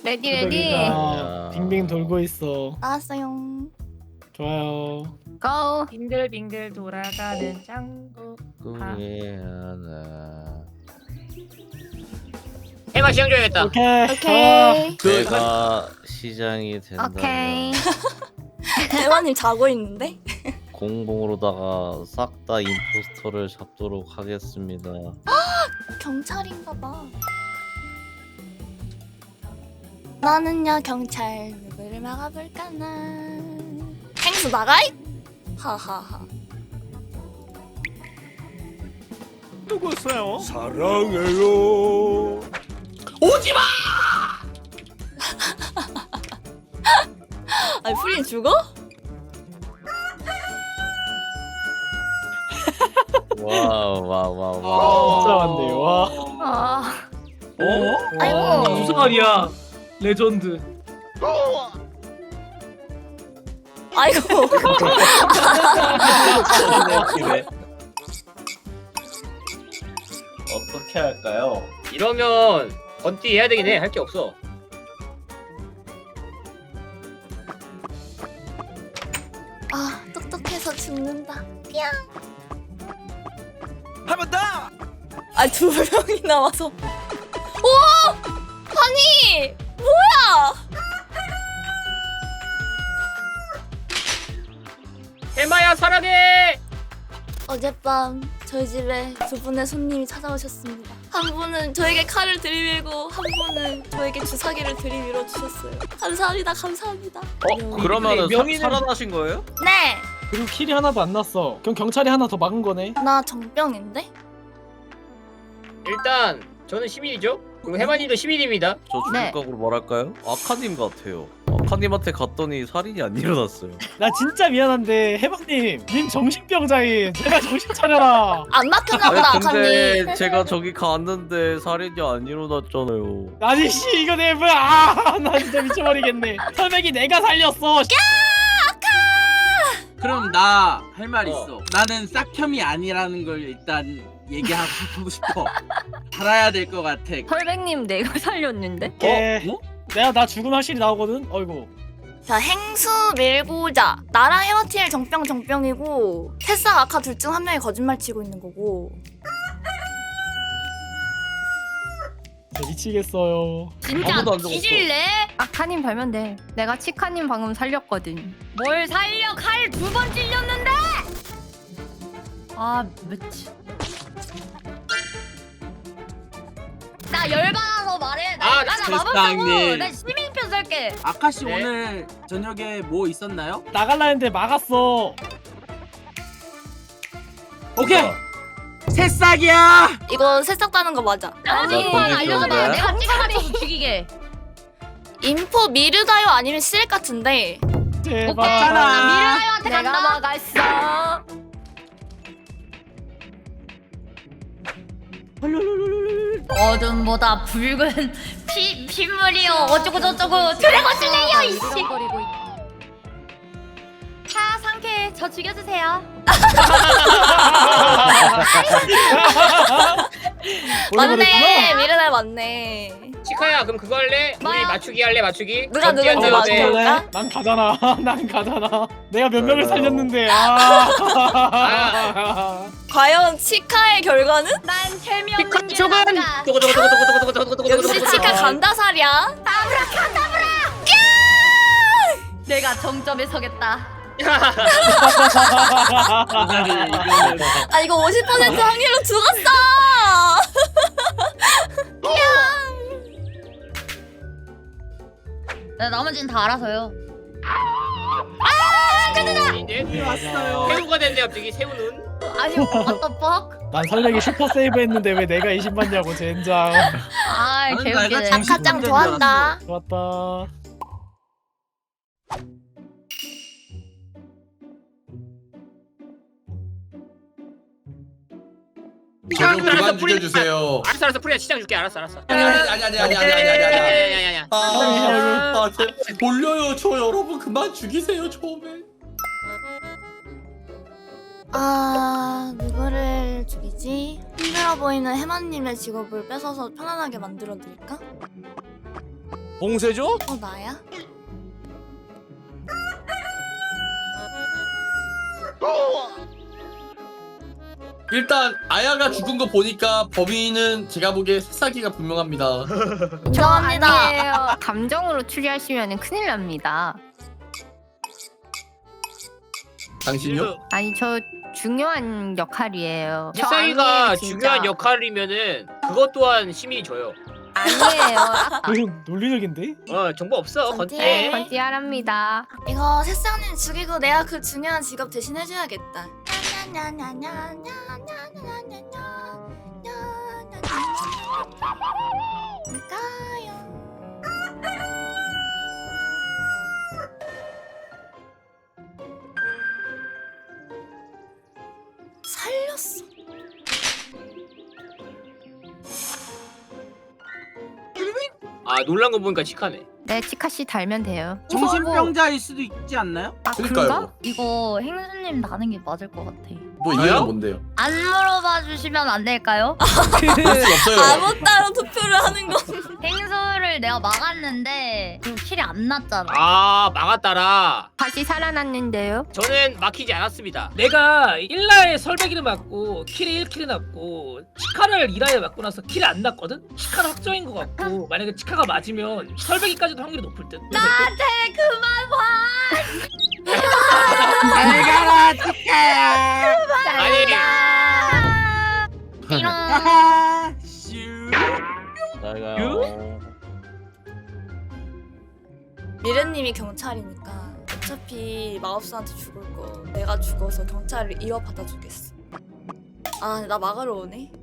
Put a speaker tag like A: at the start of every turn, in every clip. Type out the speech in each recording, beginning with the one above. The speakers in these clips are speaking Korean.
A: 레디 레디.
B: 수덕이가 빙빙 돌고 있어.
C: 나왔어요.
B: 좋아요.
A: 고.
D: 빙글빙글 돌아가는 짱구.
E: 꿈에 하나.
F: 해마 시장 줘야겠다.
B: 오케이.
C: 오케이.
E: 내가 시장이 된다면
A: 오케이.
C: 대화님 자고 있는데?
E: 공봉으로다가 싹 다 임포스터를 잡도록 하겠습니다.
C: 경찰인가봐. 나는야 경찰 누구를 막아볼까나. 행수 나가이? 하하하.
B: 누구였어요?
G: 사랑해요.
C: 아니 프린 죽어?
E: 와와와와.
B: 진짜 많네요. 와.
A: 아.
C: 아이고.
D: 무슨 말이야? 레전드.
C: 아이고.
G: 어떻게 할까요?
F: 이러면 건띠 해야 되긴 해. 할 게 없어.
C: 아 똑똑해서 죽는다. 삐양.
G: 한 번 더.
C: 아두 명이 나와서. 오! 아니 뭐야?
F: 해마야 사랑해.
C: 어젯밤 저희 집에 두 분의 손님이 찾아오셨습니다. 한 분은 저에게 칼을 들이밀고 한 분은 저에게 주사기를 들이밀어 주셨어요. 감사합니다. 감사합니다.
E: 그러면은
D: 명의는-
E: 살아나신 거예요?
C: 네.
B: 그리고 킬이 하나도 안 났어. 그럼 경찰이 하나 더 막은 거네.
C: 나 정병인데?
F: 일단 저는 시민이죠. 그리고 해마님도 시민입니다.
E: 저
A: 네.
E: 주인각으로 말할까요? 아카님 같아요. 아카님한테 갔더니 살인이 안 일어났어요.
B: 나 진짜 미안한데 해방님, 님 정신병자인. 제가 정신 차려라.
C: 안 막혔나 보다
E: 근데
C: 아카님.
E: 제가 저기 갔는데 살인이 안 일어났잖아요.
B: 아니 씨 이거 내 뭐야? 아, 나 진짜 미쳐버리겠네. 설백이 내가 살렸어.
H: 그럼 나 할 말
F: 어.
H: 있어. 나는 싹혐이 아니라는 걸 일단 얘기하고 싶어. 살아야 될 것 같아.
A: 헐백님 내가 살렸는데?
B: 오케이.
H: 어?
B: 내가 나 죽음 확실히 나오거든. 어이구.
C: 자 행수 밀고자. 나랑 헤마티엘 정병이고 테스랑 아카 둘 중 한 명이 거짓말 치고 있는 거고.
B: 저 미치겠어요.
A: 진짜
E: 아무도 안 죽었어.
A: 뒤질래? 아카님 발면 돼. 내가 치카님 방금 살렸거든. 뭘 살려? 칼 두 번 찔렸는데? 아 미치. 나 열받아서 말해.
F: 아,
A: 나
H: 세상에.
A: 마법사고 나 시민표 쓸게.
H: 아카씨
F: 네.
H: 오늘 저녁에 뭐 있었나요?
B: 나갈라 했는데 막았어.
H: 오케이. 새싹이야.
C: 이거 새싹 따는 거 맞아.
A: 아니
E: 나 건질
A: 알려줘봐.
E: 거야?
A: 내가 찍어맞춰서 죽이게.
C: 인포 미르다요 아니면 실액 같은데.
B: 제발.
H: 없잖아.
A: 미라이한테 내가 막았어. 어둠보다 붉은 핏물이요 어쩌고 저쩌고 드래곤 슬레이어 이씨. 차 상쾌 저 죽여주세요.
C: 맞네. 미르다요 맞네.
F: 치카야 그럼 그거 할래? 우리
A: 뭐야?
F: 맞추기 할래 맞추기?
C: 누가 누군지
F: 건띠한테
C: 맞춰.
F: 어때?
C: 맞춰볼까?
B: 난 가잖아. 난 가잖아. 내가 몇 명을
E: 맞아요.
B: 살렸는데.
C: 과연 치카의 결과는?
A: 난 재미없는 게
F: 죽은
A: 나가.
C: 역시 치카 간다살이야.
A: 내가 정점에 서겠다.
C: 아 이거 50% 확률로 죽었어.
A: 네, 나머지는 다 알아서요.
F: 이제
H: 왔어요.
F: 새우가 됐네 갑자기 새우는.
A: 아니 what the fuck?
B: 난 설백이 슈퍼 세이브 했는데 왜 내가 20 받냐고 젠장.
A: 아
H: 나는
A: 개웃기네.
H: 내가 정신-
C: 아카짱 좋아한다.
B: 좋았다.
F: 시장
I: 좀
F: 알았어
I: 그만
F: 프리야.
I: 죽여주세요.
F: 알았어 프리야 시장 줄게 알았어.
I: 아니.
F: 야야야야야야야야.
I: 돌려요 저 여러분 그만 죽이세요 처음에.
C: 아 누구를 죽이지? 힘들어 보이는 해마님의 직업을 뺏어서 편안하게 만들어 드릴까?
E: 봉쇄죠?
C: 나야?
I: 일단 아야가 죽은 거 보니까 범인은 제가 보기에 새싹이가 분명합니다.
A: 저
C: 죄송합니다.
A: 아니에요. 감정으로 추리하시면 큰일 납니다.
I: 당신요?
A: 아니 저 중요한 역할이에요. 저
F: 새싹이가
A: 아니에요, 진짜.
F: 중요한 역할이면은 그것 또한 시민이 줘요.
A: 아니에요.
B: 이건 논리적인데?
F: 정보 없어.
C: 건띠.
F: 건띠.
A: 건띠하랍니다.
C: 이거 새싹님 죽이고 내가 그 중요한 직업 대신 해줘야겠다. 뭘까요? 살렸어.
F: 아 놀란 거 보니까 치카네.
A: 네 치카씨 달면 돼요.
H: 정신병자일 수도 있지 않나요?
A: 아
I: 그러니까요.
A: 그런가?
J: 이거 행수님 나는 게 맞을 것 같아.
I: 뭐
F: 저요?
I: 이유는 뭔데요?
J: 안 물어봐 주시면 안 될까요?
I: 그럴 수 없어요.
C: 아무 따로 투표를 하는 거.
J: 행수를 내가 막았는데 그 킬이 안 났잖아.
F: 아 막았다라.
A: 다시 살아났는데요.
F: 저는 막히지 않았습니다.
D: 내가 1라에 설배기를 맞고 킬이 1킬이 났고 치카를 2라에 맞고 나서 킬이 안 났거든? 치카는 확정인 것 같고 만약에 치카가 맞으면 설배기까지도 확률이 높을 듯.
J: 나한테 그만 봐.
H: 잘 가라 치카야.
F: 아니
J: 이런.
H: 하하. 슈.
E: 잘 가요.
C: 미래님이 경찰이니까 어차피 마법사한테 죽을 거 내가 죽어서 경찰을 이어받아 주겠어. 아, 나 막으러 오네.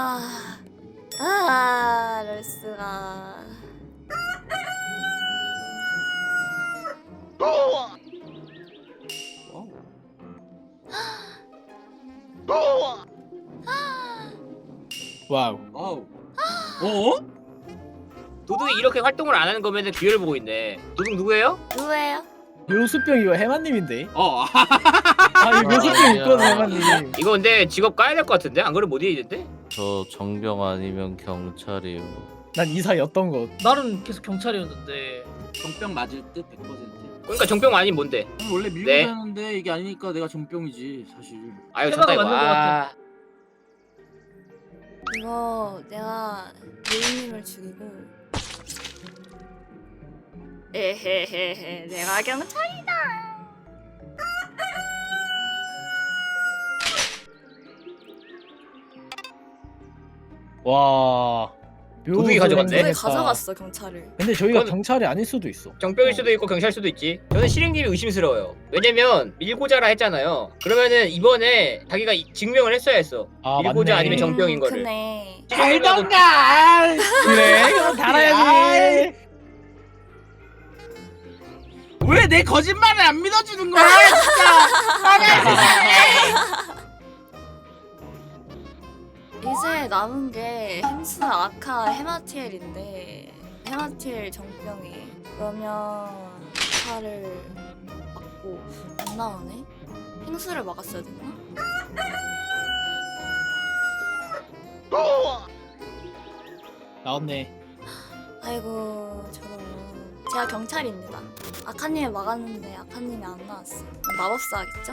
C: 럴스가.
B: 와우.
H: 어우. 어?
F: 도둑이 이렇게 활동을 안 하는 거면은 기회를 보고 있네. 도둑 누구예요?
C: 누구예요?
B: 묘수병 이거 해마님인데?
H: 어.
B: 아 이거 묘수병 있거든 해마님.
F: 이거 근데 직업 까야 될 것 같은데? 안 그러면 못 이기는데?
E: 저 정병 아니면 경찰이요.
B: 난 이사였던 것.
D: 나는 계속 경찰이었는데
H: 정병 맞을 듯 100%.
F: 그러니까 정병 아닌 뭔데?
H: 원래 밀고
F: 네.
H: 다녔는데 이게 아니니까 내가 정병이지 사실.
F: 아유
D: 해봐가
F: 졌다 이거.
D: 맞는 것 같아.
C: 이거 내가 미래님을 죽이고. 에헤헤헤, 내가 경찰이다.
B: 와.
F: 도둑이 가져갔네?
C: 왜
B: 묘수병
C: 가져갔어 경찰을?
B: 근데 저희가
F: 그건-
B: 경찰이 아닐 수도 있어.
F: 정병일 수도 있고 경찰일 수도 있지. 저는 실행님이 의심스러워요. 왜냐면 밀고자라 했잖아요. 그러면은 이번에 자기가 증명을 했어야 했어.
B: 아
F: 밀고자
B: 맞네.
F: 아니면 정병인 거를.
C: 그네.
H: 알던가.
B: 그래 이거 달아야지.
H: 왜 내 거짓말을 안 믿어주는 거야 진짜.
C: 이제 남은 게 행수, 아카, 헤마티엘인데 헤마티엘 정병이 그러면 아카를 막고 안 나오네? 행수를 막았어야 됐나?
B: 나왔네.
C: 아이고 저런. 제가 경찰입니다. 아카님을 막았는데 아카님이 안 나왔어. 마법사 하겠죠?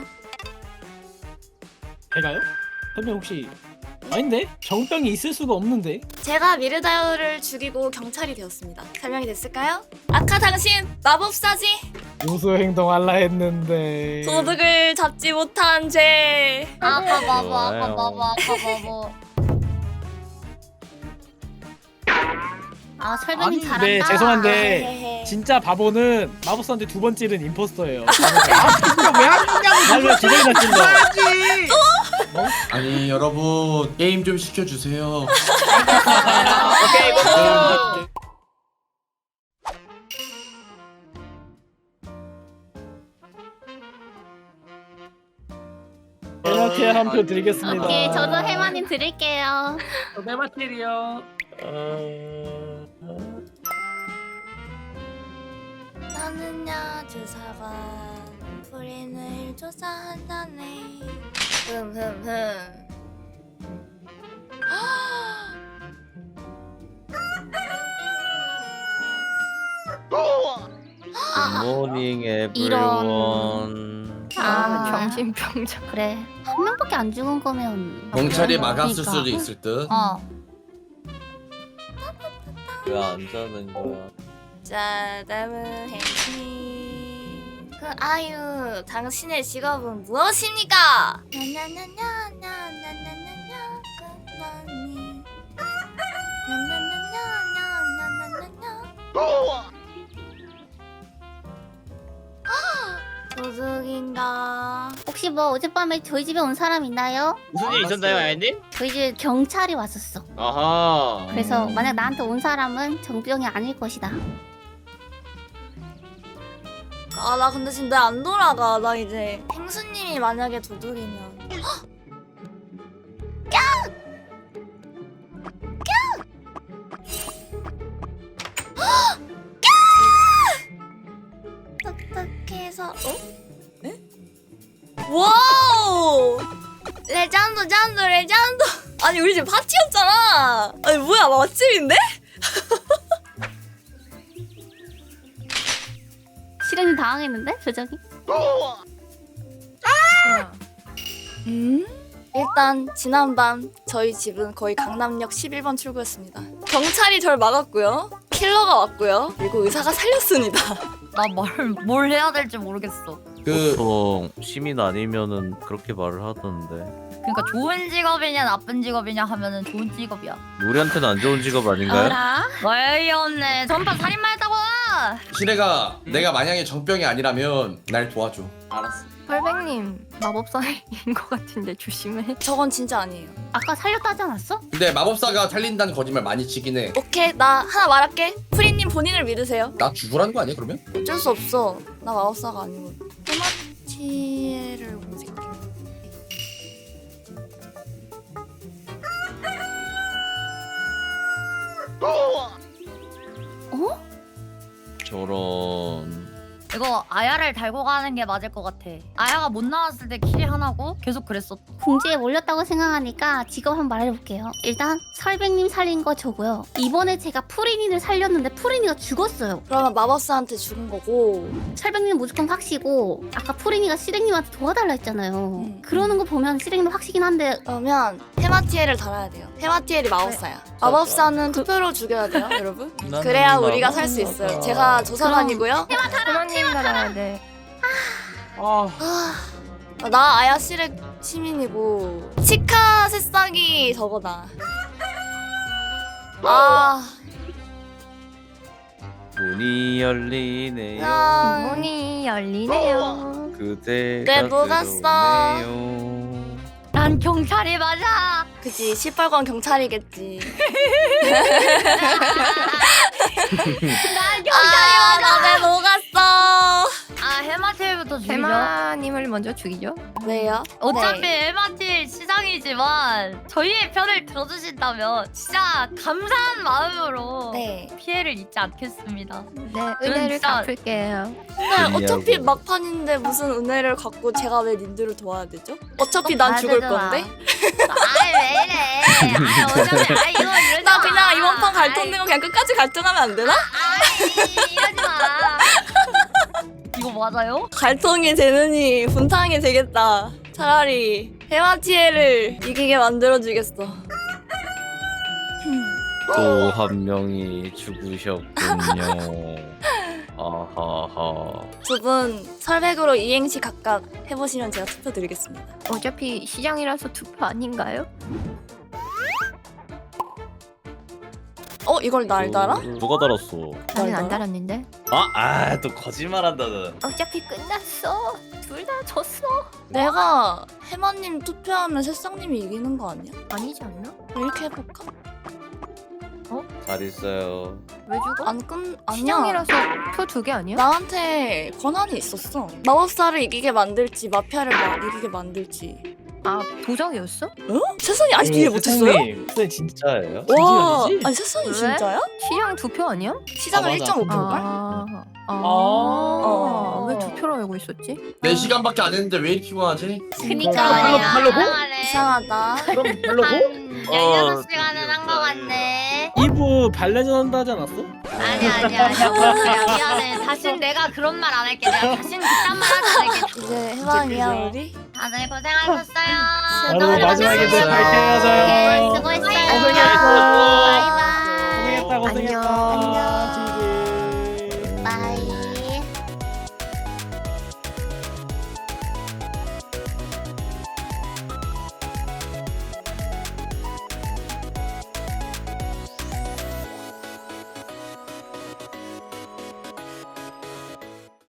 B: 제가요? 선배 혹시 아닌데? 정병이 있을 수가 없는데?
C: 제가 미르다이어를 죽이고 경찰이 되었습니다. 설명이 됐을까요? 아카 당신 마법사지?
B: 요소 행동할라 했는데.
C: 도둑을 잡지 못한 죄.
J: 아까 봐봐,
E: 좋아요.
J: 아까 봐봐, 아까 봐봐. 아 설명이
H: 아니,
J: 잘한다.
B: 네, 죄송한데
C: 헤헤헤.
B: 진짜 바보는 마법사한테 두 번 찌른 임포스터예요.
H: 이거 왜안 죽냐고.
B: 말로 두 번이나 찔러.
H: 하지.
I: 아니 여러분 게임 좀 시켜주세요.
F: 오케이 이거.
B: 이렇게 한 표 드리겠습니다.
J: 오케이, 저도 해마님 드릴게요.
D: 메마테리어.
C: 나는야 주사관 불인을 조사한다네. 흠흠흠.
E: 굿모닝 에브리원.
A: 정신병자.
J: 그래 한 명밖에 안 죽은 거면
I: 경찰이 막았을
J: 그러니까.
I: 수도 있을 듯.
E: 왜 안 자는 거야?
C: 자, 다음은 henry. 그 아유, 당신의 직업은 무엇입니까? 나나나나나나나나나 굿모닝. 나나나나나나나나나. 도둑인가?
J: 혹시 뭐 어젯밤에 저희 집에 온 사람 있나요?
F: 무슨 일 있었나요, 아연님?
J: 저희 집에 경찰이 왔었어.
F: 아하.
J: 그래서 만약 나한테 온 사람은 정병이 아닐 것이다.
C: 아, 나 근데 지금 내 안 돌아가. 나 이제 행수님이 만약에 도둑이면 딱딱해서 에? 와우! 레전드 잔드 레전드. 아니 우리 집 파티였잖아. 아니 뭐야 맛집인데?
J: 실행이 당황했는데 표정이?
C: 일단 지난밤 저희 집은 거의 강남역 11번 출구였습니다. 경찰이 절 막았고요. 킬러가 왔고요. 그리고 의사가 살렸습니다.
A: 나 뭘 해야 될지 모르겠어.
E: 보통 시민 아니면은 그렇게 말을 하던데.
A: 그러니까 좋은 직업이냐 나쁜 직업이냐 하면은 좋은 직업이야.
E: 우리한테는 안 좋은 직업 아닌가요?
J: 어라?
A: 어이없네. 전판 살인마였다고.
I: 시래가 내가 만약에 정병이 아니라면 날 도와줘.
H: 알았어.
A: 펄백님 마법사인 것 같은데 조심해.
C: 저건 진짜 아니에요.
J: 아까 살렸다 하지 않았어?
I: 근데 마법사가 살린다는 거짓말 많이 치긴 해.
C: 오케이 나 하나 말할게. 프리님 본인을 믿으세요.
I: 나 죽으라는 거 아니야 그러면?
C: 어쩔 수 없어. 나 마법사가 아니고. 토마티에를 검색해요.
J: 어?
E: 저런.
A: 이거 아야를 달고 가는 게 맞을 것 같아. 아야가 못 나왔을 때 킬이 하나고 계속 그랬어.
J: 궁지에 몰렸다고 생각하니까 직업 한번 말해볼게요. 일단 설백님 살린 거 저고요. 이번에 제가 프리니를 살렸는데 프리니가 죽었어요.
C: 그러면 마법사한테 죽은 거고.
J: 설백님 무조건 확시고 아까 프리니가 시랭님한테 도와달라 했잖아요. 그러는 거 보면 시랭님 확시긴 한데
C: 그러면 헤마티에를 달아야 돼요. 헤마티엘이 마법사야. 마법사는 투표로 죽여야 돼요, 여러분. 그래야 우리가 살 수 있어요. 제가 조사관이고요.
A: 해마님 달아야 돼.
C: 나 아야 시렉 시민이고 치카 새싹이 저거다. 아,
E: 문이 열리네요.
C: 야,
A: 문이 열리네요.
E: 그대가
C: 네, 녹았어.
E: 들어오네요.
A: 난 경찰이 맞아.
C: 그지 시뻘건 경찰이겠지.
A: 난 경찰이
C: 아,
A: 맞아.
C: 나왜 녹았어?
A: 아 해마틸부터 죽이죠.
B: 해마님을 먼저 죽이죠.
C: 왜요?
A: 어차피
C: 네.
A: 해마틸 시장이지만 저희의 편을 들어주신다면 진짜 감사한 마음으로
C: 네.
A: 피해를 입지 않겠습니다.
B: 네, 은혜를
A: 진짜-
B: 갚을게요.
C: 근데 어차피
E: 이해하고.
C: 막판인데 무슨 은혜를 갖고 제가 왜 님들을 도와야 되죠? 어차피
A: 꼭
C: 난
A: 가야
C: 죽을
A: 되잖아.
C: 건데.
A: 아이 왜 이래? 아이 어차피 아이 이거 이러지
C: 나
A: 마.
C: 그냥 이번 판 갈등된 거 그냥 끝까지 갈등하면 안 되나?
A: 아이 이러지 마. 이거 맞아요?
C: 갈통이 되느니 분탕이 되겠다. 차라리 헤마티에를 이기게 만들어주겠어.
E: 또 한 명이 죽으셨군요. 아하하.
C: 두 분 설백으로 이행시 각각 해보시면 제가 투표 드리겠습니다.
B: 어차피 시장이라서 투표 아닌가요?
C: 이걸 날 달아?
E: 누가 달았어?
B: 나는 안
C: 알더라?
B: 달았는데.
E: 또 거짓말한다는.
B: 어차피 끝났어. 둘 다 졌어.
C: 내가 해마님 투표하면 새싹님이 이기는 거 아니야?
B: 아니지 않나?
C: 이렇게 해볼까?
E: 잘 있어요.
B: 왜 죽어?
C: 아니야.
B: 시장이라서 표 2개 아니야?
C: 나한테 권한이 있었어. 마법사를 이기게 만들지 마피아를 이기게 만들지.
B: 아 도정이었어?
C: 세상이 아직 이해 못했어요?
E: 근데 진짜예요?
C: 와,
B: 진지하지?
C: 아니 세상이
B: 왜?
C: 진짜야?
B: 시장 2표 아니야?
C: 시장을
I: 맞아.
C: 1.5표인걸?
B: 왜 2표로 알고 있었지?
I: 4시간밖에 안 했는데 왜 이렇게 피곤하지?
J: 그니까
A: 아니야.
F: 하려고?
A: 이상하네.
C: 이상하다.
F: 그럼 별로고?
A: 한 16시간은 한 거 같네. 미안해.
B: 2부 발레전 한다 하지 않았어?
A: 아니야 미안해. 다신 내가 그런 말 안 할게. 내가 다신 그딴 말 하지 않을게.
C: 이제 해방이야 우리.
A: 다들 고생하셨어요.
B: 나도 마지막에 또
J: 오케이,
B: 밝혀야죠.
J: 수고했어요.
B: 고생했어.
J: 바이바이.
B: 고생했다 고생했다.
J: 안녕.
B: 지지.
J: 바이.